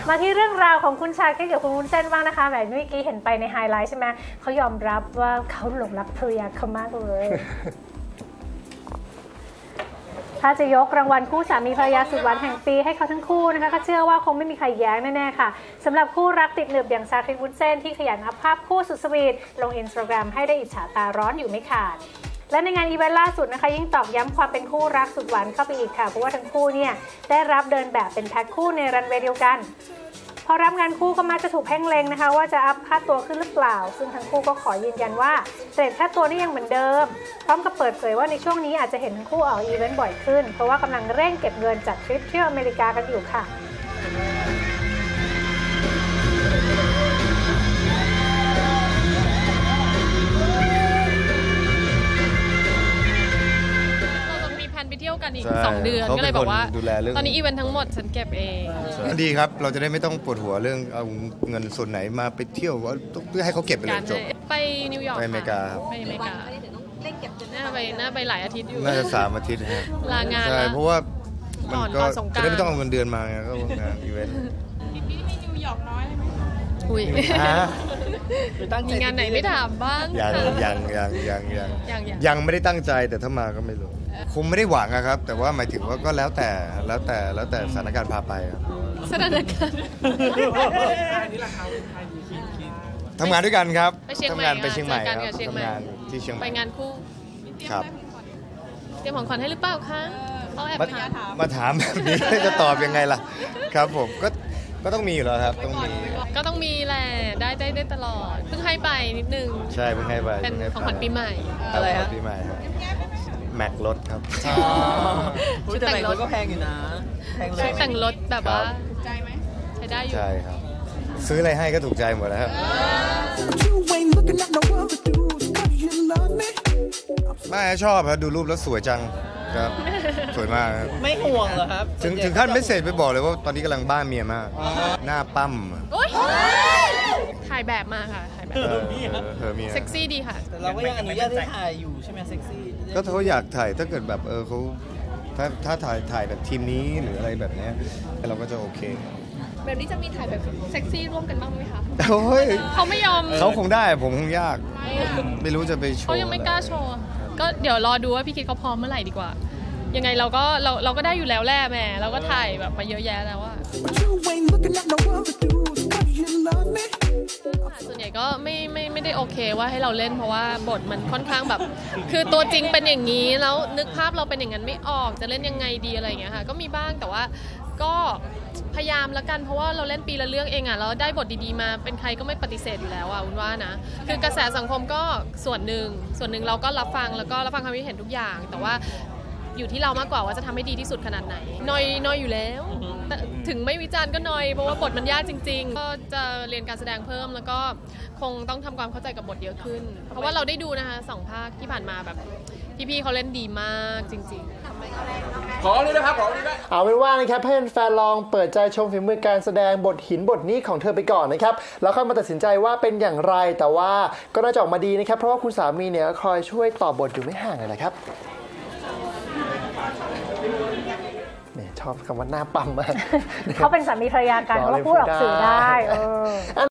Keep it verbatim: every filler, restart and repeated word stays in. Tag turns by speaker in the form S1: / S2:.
S1: มาที่เรื่องราวของคุณชาคริสกับคุณวุ้นเส้นบ้างนะคะแบบเมื่อกี้เห็นไปในไฮไลท์ใช่ไหมเขายอมรับว่าเขาหลงรักภรรยาเขามากเลยถ้าจะยกรางวัลคู่สามีภรรยาสุดหวานแห่งปีให้เขาทั้งคู่นะคะก็เชื่อว่าคงไม่มีใครแย้งแน่ๆค่ะสำหรับคู่รักติดหนึบอย่างชาคริสวุ้นเส้นที่ขยันอัพภาพคู่สุดสวีทลงอินสตาแกรมให้ได้อิจฉาตาร้อนอยู่ไม่ขาดและในงานอีเวนต์ล่าสุดนะคะยิ่งตอกย้ำความเป็นคู่รักสุดหวานเข้าไปอีกค่ะเพราะว่าทั้งคู่เนี่ยได้รับเดินแบบเป็นแพ็คคู่ในรันเวย์เดียวกันพอรับงานคู่ก็มักจะถูกเพ่งเล็งนะคะว่าจะอัพค่าตัวขึ้นหรือเปล่าซึ่งทั้งคู่ก็ขอยืนยันว่าเรทค่าตัวนี่ยังเหมือนเดิมพร้อมกับเปิดเผยว่าในช่วงนี้อาจจะเห็นทั้งคู่ออกอีเวนต์บ่อยขึ้นเพราะว่ากำลังเร่งเก็บเงินจัดทริปเที่ยวอเมริกากันอยู่ค่ะ
S2: ไปเที่ยวกันอีกสองเดือนก็เลยบอกว่าตอนนี้อีเวนต์ทั้งหมดฉันเก็บเอง
S3: ดีครับเราจะได้ไม่ต้องปวดหัวเรื่องเอาเงินส่วนไหนมาไปเที่ยวเพื่อให้เขาเก็บไปเลยจบ
S2: ไปนิวยอร์ก
S3: ไปอเมริกา
S2: ไปอเมริกาน่าไปน่าไปหลายอาทิตย์อยู่
S3: น่าจะสามอาทิตย์
S2: ลางาน
S3: ใช่เพราะว่ามันก็จะได้ไม่ต้องเอาเงินเดือนมาไงก็งานอีเวนต์
S2: พี่พี่มีนิวยอร์กน้อยเลยไหมอุ้ยมีงานไหนไม่ถามบ้าง
S3: ยังยังยังยังยังยังไม่ได้ตั้งใจแต่ถ้ามาก็ไม่รู้คงไม่ได้หวังครับแต่ว่าหมายถึงว่าก็แล้วแต่แล้วแต่แล้วแต่สถานการณ์พาไปครับ
S2: สถานการณ์
S3: ทำงานด้วยกันครับ
S2: ทำงาน
S3: ไปเชียงใหม่ครับทำงานที่
S2: เชียงใหม่ไปงานคู่
S3: ครับ
S2: เตรียมของขวัญให้หรือเปล่าคะเขาแอบ
S3: มาถามแบบนี้จะตอบยังไงล่ะครับผมก็ก็ต้องมีอยู่แล้วครับต้องมี
S2: ก็ต้องมีแหละได้ได้ได้ตลอดเพิ่งให้ไปนิดนึง
S3: ใช่เพิ่งให้ไป
S2: เป็นของขวัญปีใหม่
S3: อะไรครับปีใหม่ครับแม็กรถครับ
S4: ชุดแต่งรถก็แพงอยู่นะ
S2: ชุดแต่งรถแบบว่าใจไหมใช้ได้อยู่
S3: ใช่ครับซื้ออะไรให้ก็ถูกใจหมดแล้วครับไม่ชอบครับดูรูปแล้วสวยจังครับสวยมาก
S4: ไม่ห่วงเหรอครับ
S3: ถึงถึงขั้นไม่เสร็จไปบอกเลยว่าตอนนี้กำลังบ้าเมียมากหน้าปั้ม
S2: ถ่ายแบบมาค่ะถ่ายแบบเซ็กซี่ดีค่ะ
S4: แต่เราก็ยังอนุญาตให้ถ่ายอยู่ใช่ไหมเซ็กซี่
S3: ก็เขาอยากถ่ายถ้าเกิดแบบเออเขาถ้าถ้าถ่ายถ่ายแบบทีมนี้หรืออะไรแบบนี้เราก็จะโอเค
S2: แบบนี้จะมีถ่ายแบบเซ็กซี่ร่วมกันบ้างไหมคะ
S3: โอ้ย
S2: เขาไม่ยอม
S3: เขาคงได้ผมคงยากไม่รู้จะไปโชว์
S2: เขายังไม่กล้าโชว์ก็เดี๋ยวรอดูว่าพี่คิดเขาพร้อมเมื่อไหร่ดีกว่ายังไงเราก็เราเราก็ได้อยู่แล้วแหละแม่เราก็ถ่ายแบบมาเยอะแยะแล้วว่าส่วนใหญ่ก็ไม่ไม่ไม่ได้โอเคว่าให้เราเล่นเพราะว่าบทมันค่อนข้างแบบคือตัวจริงเป็นอย่างนี้แล้วนึกภาพเราเป็นอย่างนั้นไม่ออกจะเล่นยังไงดีอะไรอย่างเงี้ยค่ะก็มีบ้างแต่ว่าก็พยายามละกันเพราะว่าเราเล่นปีละเรื่องเองอ่ะแล้วได้บทดีๆมาเป็นใครก็ไม่ปฏิเสธอยู่แล้วอ่ะวุ้นว่านะคือกระแสสังคมก็ส่วนหนึ่งส่วนหนึ่งเราก็รับฟังแล้วก็รับฟังความคิดเห็นทุกอย่างแต่ว่าอยู่ที่เรามากกว่าว่าจะทำให้ดีที่สุดขนาดไหนนอยนอยอยู่แล้วถึงไม่วิจารณ์ก็นอยเพราะว่าบทมันยากจริงๆก็จะเรียนการแสดงเพิ่มแล้วก็คงต้องทำความเข้าใจกับบทเยอะขึ้นเพราะว่าเราได้ดูนะคะสองภาคที่ผ่านมาแบบพี่ๆเขาเล่นดีมากจริงๆ
S5: ขอเลยนะครับขอเลยนะ
S6: เอาเป็นว่านะครับให้แฟนลองเปิดใจชมฝีมือการแสดงบทหินบทนี้ของเธอไปก่อนนะครับแล้วค่อยมาตัดสินใจว่าเป็นอย่างไรแต่ว่าก็น่าจะออกมาดีนะครับเพราะว่าคุณสามีเนี่ยคอยช่วยตอบบทอยู่ไม่ห่างเลยนะครับชอบคำว่าหน้าปั๊มมาก
S1: เขาเป็นสามีภรรยากันเขาพูดออกสื่อได้